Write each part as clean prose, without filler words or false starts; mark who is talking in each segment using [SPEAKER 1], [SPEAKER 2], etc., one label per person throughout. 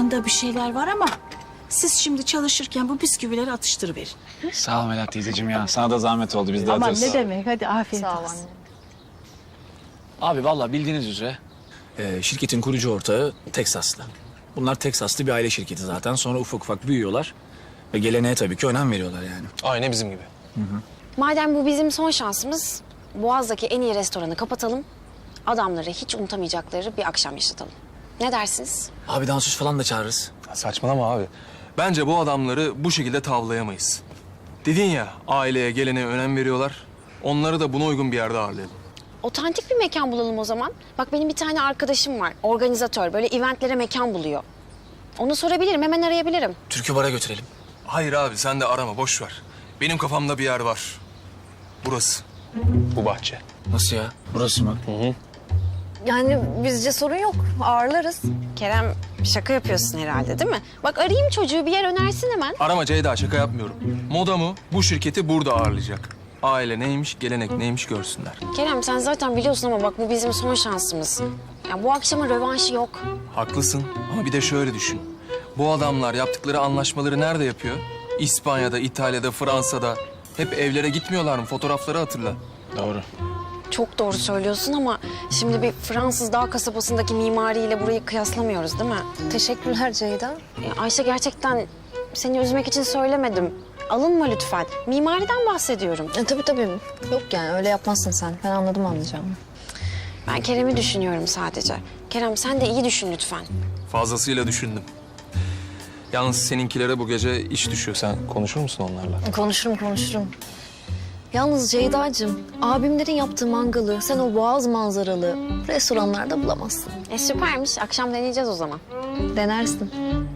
[SPEAKER 1] aklımda bir şeyler var ama siz şimdi çalışırken bu bisküvileri atıştırıverin.
[SPEAKER 2] Sağ ol Melahat teyzeciğim ya. Sana da zahmet oldu. Biz de
[SPEAKER 3] Aman
[SPEAKER 2] atıyoruz.
[SPEAKER 3] ne demek, hadi afiyet
[SPEAKER 4] Sağ ol
[SPEAKER 3] olsun.
[SPEAKER 4] anne.
[SPEAKER 2] Abi vallahi bildiğiniz üzere şirketin kurucu ortağı Teksaslı. Bunlar Teksaslı bir aile şirketi zaten. Sonra ufak ufak büyüyorlar. Ve geleneğe tabii ki önem veriyorlar yani.
[SPEAKER 5] Aynı bizim gibi.
[SPEAKER 4] Madem bu bizim son şansımız, Boğaz'daki en iyi restoranı kapatalım. Adamları hiç unutamayacakları bir akşam yaşatalım. Ne dersiniz?
[SPEAKER 2] Abi dansöz falan da çağırırız.
[SPEAKER 5] Ya saçmalama abi. Bence bu adamları bu şekilde tavlayamayız. Dedin ya, aileye, geleneğe önem veriyorlar. Onları da buna uygun bir yerde ağırlayalım.
[SPEAKER 4] Otantik bir mekan bulalım o zaman. Bak benim bir tane arkadaşım var, organizatör. Böyle eventlere mekan buluyor. Onu sorabilirim, hemen arayabilirim.
[SPEAKER 2] Türkü bara götürelim.
[SPEAKER 5] Hayır abi, sen de arama, boş ver. Benim kafamda bir yer var. Burası. Bu bahçe.
[SPEAKER 2] Nasıl ya? Burası mı?
[SPEAKER 6] Yani bizce sorun yok. Ağırlarız.
[SPEAKER 4] Kerem şaka yapıyorsun herhalde değil mi? Bak arayayım çocuğu, bir yer önersin hemen.
[SPEAKER 5] Arama Ceyda, şaka yapmıyorum. Modamı bu şirketi burada ağırlayacak. Aile neymiş, gelenek neymiş görsünler.
[SPEAKER 4] Kerem sen zaten biliyorsun ama bak bu bizim son şansımız. Ya bu akşamın rövanşı yok.
[SPEAKER 5] Haklısın ama bir de şöyle düşün. Bu adamlar yaptıkları anlaşmaları nerede yapıyor? İspanya'da, İtalya'da, Fransa'da. Hep evlere gitmiyorlar mı? Fotoğrafları hatırla.
[SPEAKER 2] Doğru.
[SPEAKER 4] Çok doğru söylüyorsun ama şimdi bir Fransız dağ kasabasındaki mimariyle burayı kıyaslamıyoruz değil mi?
[SPEAKER 6] Teşekkürler Ceyda.
[SPEAKER 4] Ya Ayşe gerçekten seni üzmek için söylemedim. Alınma lütfen. Mimariden bahsediyorum.
[SPEAKER 6] Tabii. Yok yani öyle yapmazsın sen. Ben anladım anlayacağımı.
[SPEAKER 4] Ben Kerem'i düşünüyorum sadece. Kerem sen de iyi düşün lütfen.
[SPEAKER 5] Fazlasıyla düşündüm. Yalnız seninkilere bu gece iş düşüyor. Sen konuşur musun onlarla?
[SPEAKER 6] Konuşurum. Yalnız Ceyda'cığım, abimlerin yaptığı mangalı sen o boğaz manzaralı restoranlarda bulamazsın.
[SPEAKER 4] Süpermiş. Akşam deneyeceğiz o zaman.
[SPEAKER 6] Denersin.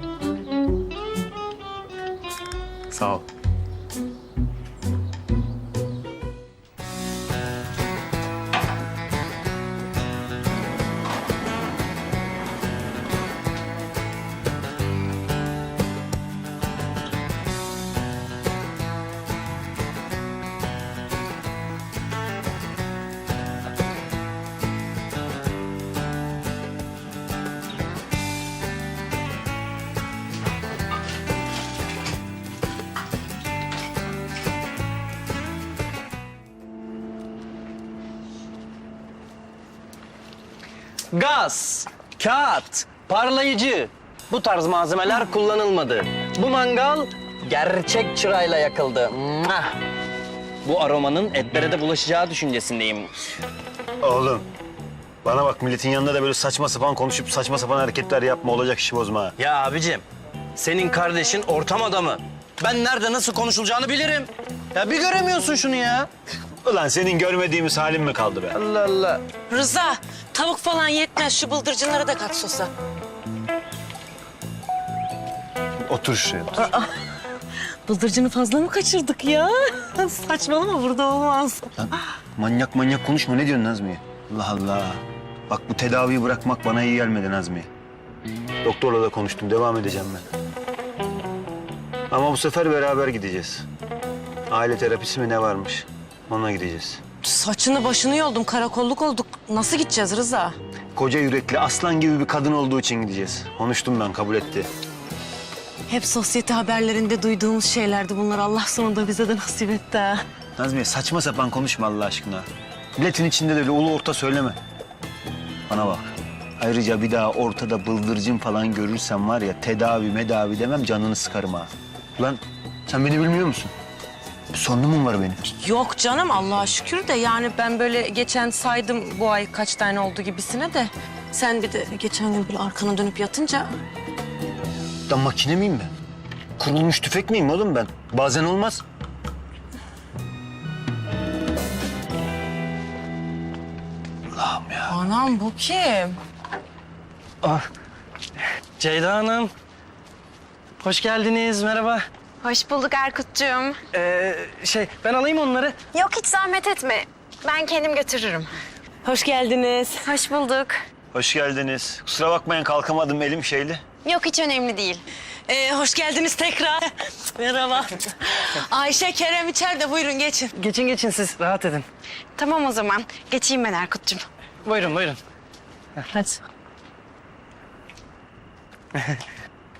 [SPEAKER 5] Sağ ol.
[SPEAKER 7] Gaz, kağıt, parlayıcı bu tarz malzemeler kullanılmadı. Bu mangal gerçek çırayla yakıldı. Mwah! Bu aromanın etlere de bulaşacağı düşüncesindeyim.
[SPEAKER 8] Oğlum, bana bak milletin yanında da böyle saçma sapan konuşup saçma sapan hareketler yapma, olacak işi bozma ha.
[SPEAKER 7] Ya abicim, senin kardeşin ortam adamı. Ben nerede nasıl konuşulacağını bilirim. Ya bir göremiyorsun şunu ya.
[SPEAKER 8] Ulan senin görmediğimiz halin mi kaldı be?
[SPEAKER 7] Allah Allah.
[SPEAKER 3] Rıza, tavuk falan yetmez. Şu bıldırcınları da kat sosa.
[SPEAKER 8] Otur şuraya, otur.
[SPEAKER 3] Bıldırcını fazla mı kaçırdık ya? Saçmalama, burada olmaz.
[SPEAKER 8] Lan manyak konuşma, ne diyorsun Nazmiye? Allah Allah. Bak bu tedaviyi bırakmak bana iyi gelmedi Nazmiye. Doktorla da konuştum, devam edeceğim ben. Ama bu sefer beraber gideceğiz. Aile terapisi mi ne varmış? Ona gideceğiz.
[SPEAKER 3] Saçını başını yoldum, karakolluk olduk. Nasıl gideceğiz Rıza?
[SPEAKER 8] Koca yürekli, aslan gibi bir kadın olduğu için gideceğiz. Konuştum ben, kabul etti.
[SPEAKER 3] Hep sosyete haberlerinde duyduğumuz şeylerdi bunlar. Allah sonunda bize de nasip etti ha.
[SPEAKER 8] Nazmiye saçma sapan konuşma Allah aşkına. Milletin içinde de öyle ulu orta söyleme. Bana bak. Ayrıca bir daha ortada bıldırcın falan görürsem var ya tedavi medavi demem, canını sıkarım ha. Ulan sen beni bilmiyor musun? Bir sorunum mu var benim?
[SPEAKER 3] Yok canım, Allah'a şükür de yani ben böyle geçen saydım bu ay kaç tane oldu gibisine de. Sen bir de geçen gün böyle arkana dönüp yatınca...
[SPEAKER 8] Lan makine miyim ben? Kurulmuş tüfek miyim oğlum ben? Bazen olmaz. Allah'ım ya.
[SPEAKER 3] Anam bu kim?
[SPEAKER 7] Ceyda Hanım. Hoş geldiniz, merhaba.
[SPEAKER 4] Hoş bulduk Erkut'cuğum.
[SPEAKER 7] Ben alayım onları.
[SPEAKER 4] Yok hiç zahmet etme. Ben kendim götürürüm.
[SPEAKER 3] Hoş geldiniz.
[SPEAKER 4] Hoş bulduk.
[SPEAKER 8] Hoş geldiniz. Kusura bakmayın, kalkamadım, elim şeyli.
[SPEAKER 4] Yok hiç önemli değil.
[SPEAKER 3] Hoş geldiniz tekrar. Merhaba. Ayşe, Kerem içeride. Buyurun geçin.
[SPEAKER 7] Geçin siz, rahat edin.
[SPEAKER 4] Tamam o zaman. Geçeyim ben Erkut'cum.
[SPEAKER 7] Buyurun.
[SPEAKER 3] Hadi.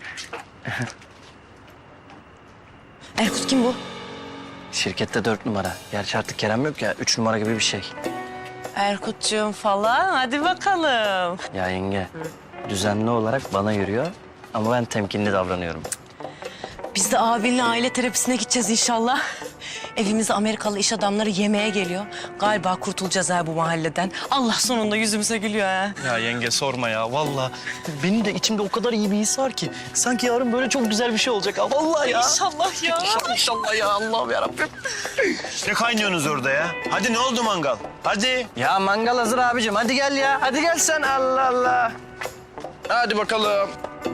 [SPEAKER 3] Erkut kim bu?
[SPEAKER 7] Şirkette 4 numara. Gerçi artık Kerem yok ya, 3 numara gibi bir şey.
[SPEAKER 3] Erkutcuğum falan. Hadi bakalım.
[SPEAKER 7] Ya yenge, düzenli olarak bana yürüyor ama ben temkinli davranıyorum.
[SPEAKER 3] Biz de abinle aile terapisine gideceğiz inşallah. Evimize Amerikalı iş adamları yemeğe geliyor. Galiba kurtulacağız ha bu mahalleden. Allah sonunda yüzümüze gülüyor ha.
[SPEAKER 7] Ya yenge sorma ya, vallahi. Benim de içimde o kadar iyi bir his var ki. Sanki yarın böyle çok güzel bir şey olacak ha, vallahi ya.
[SPEAKER 3] İnşallah ya.
[SPEAKER 7] İnşallah ya, Allah'ım yarabbim.
[SPEAKER 8] Ne kaynıyorsunuz orada ya? Hadi ne oldu mangal? Hadi.
[SPEAKER 7] Ya mangal hazır abicim, hadi gel ya. Hadi gel sen, Allah Allah. Hadi bakalım.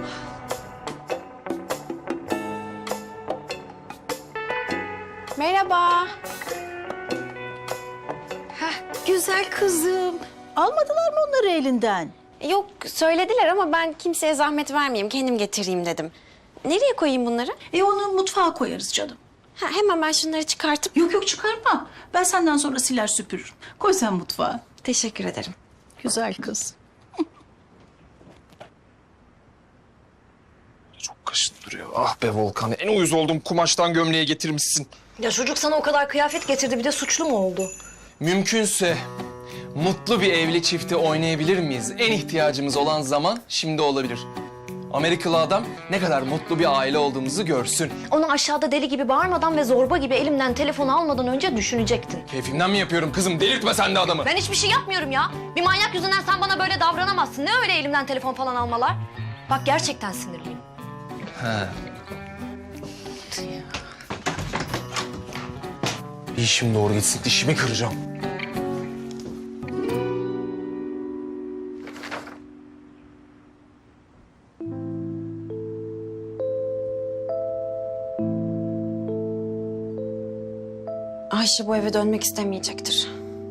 [SPEAKER 4] Merhaba.
[SPEAKER 1] Güzel kızım. Almadılar mı onları elinden?
[SPEAKER 4] Yok söylediler ama ben kimseye zahmet vermeyeyim. Kendim getireyim dedim. Nereye koyayım bunları?
[SPEAKER 1] Onu mutfağa koyarız canım.
[SPEAKER 4] Ha, hemen ben şunları çıkartıp...
[SPEAKER 1] Yok yok çıkarma. Ben senden sonra siler süpürürüm. Koy sen mutfağa.
[SPEAKER 4] Teşekkür ederim.
[SPEAKER 1] Güzel kız.
[SPEAKER 5] Çok kaşındırıyor. Ah be Volkan, en uyuz olduğum kumaştan gömleğe getirmişsin.
[SPEAKER 6] Ya çocuk sana o kadar kıyafet getirdi bir de suçlu mu oldu?
[SPEAKER 5] Mümkünse mutlu bir evli çifti oynayabilir miyiz? En ihtiyacımız olan zaman şimdi olabilir. Amerikalı adam ne kadar mutlu bir aile olduğumuzu görsün.
[SPEAKER 6] Onu aşağıda deli gibi bağırmadan ve zorba gibi elimden telefonu almadan önce düşünecektin.
[SPEAKER 5] Keyfimden mi yapıyorum kızım? Delirtme sen de adamı.
[SPEAKER 6] Ben hiçbir şey yapmıyorum ya. Bir manyak yüzünden sen bana böyle davranamazsın. Ne öyle elimden telefon falan almalar? Bak gerçekten sinirliyim.
[SPEAKER 5] Bir işim doğru gitsin, dişimi kıracağım.
[SPEAKER 4] Ayşe bu eve dönmek istemeyecektir.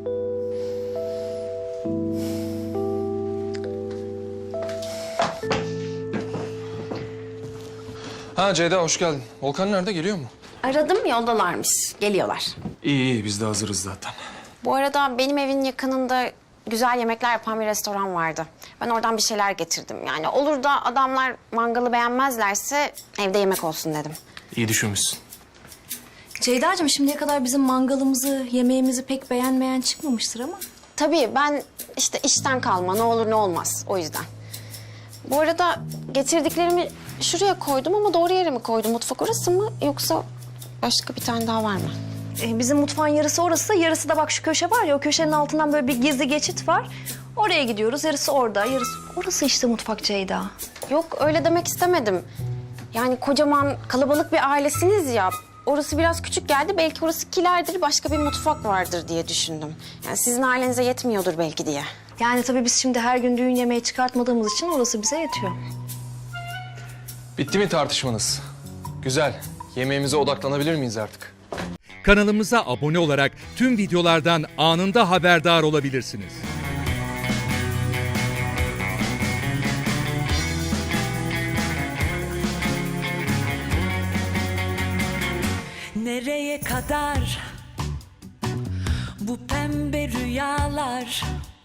[SPEAKER 5] Ha Ceyda, hoş geldin. Volkan nerede, geliyor mu?
[SPEAKER 4] Aradım yoldalarmış. Geliyorlar.
[SPEAKER 5] İyi iyi, biz de hazırız zaten.
[SPEAKER 4] Bu arada benim evin yakınında güzel yemekler yapan bir restoran vardı. Ben oradan bir şeyler getirdim. Yani olur da adamlar mangalı beğenmezlerse evde yemek olsun dedim.
[SPEAKER 5] İyi düşünmüşsün.
[SPEAKER 6] Ceyda'cığım şimdiye kadar bizim mangalımızı, yemeğimizi pek beğenmeyen çıkmamıştır ama.
[SPEAKER 4] Tabii ben işte işten kalma ne olur ne olmaz o yüzden. Bu arada getirdiklerimi şuraya koydum ama doğru yere mi koydum? Mutfak orası mı yoksa başka bir tane daha var mı?
[SPEAKER 6] Bizim mutfağın yarısı orası, yarısı da bak şu köşe var ya, o köşenin altından böyle bir gizli geçit var. Oraya gidiyoruz, yarısı orada, yarısı... Orası işte mutfak Ceyda.
[SPEAKER 4] Yok öyle demek istemedim. Yani kocaman kalabalık bir ailesiniz ya. Orası biraz küçük geldi. Belki orası kilerdir, başka bir mutfak vardır diye düşündüm. Yani sizin ailenize yetmiyordur belki diye.
[SPEAKER 6] Yani tabii biz şimdi her gün düğün yemeği çıkartmadığımız için orası bize yetiyor.
[SPEAKER 5] Bitti mi tartışmanız? Güzel. Yemeğimize odaklanabilir miyiz artık?
[SPEAKER 9] Kanalımıza abone olarak tüm videolardan anında haberdar olabilirsiniz.
[SPEAKER 10] Nereye kadar bu pembe rüyalar,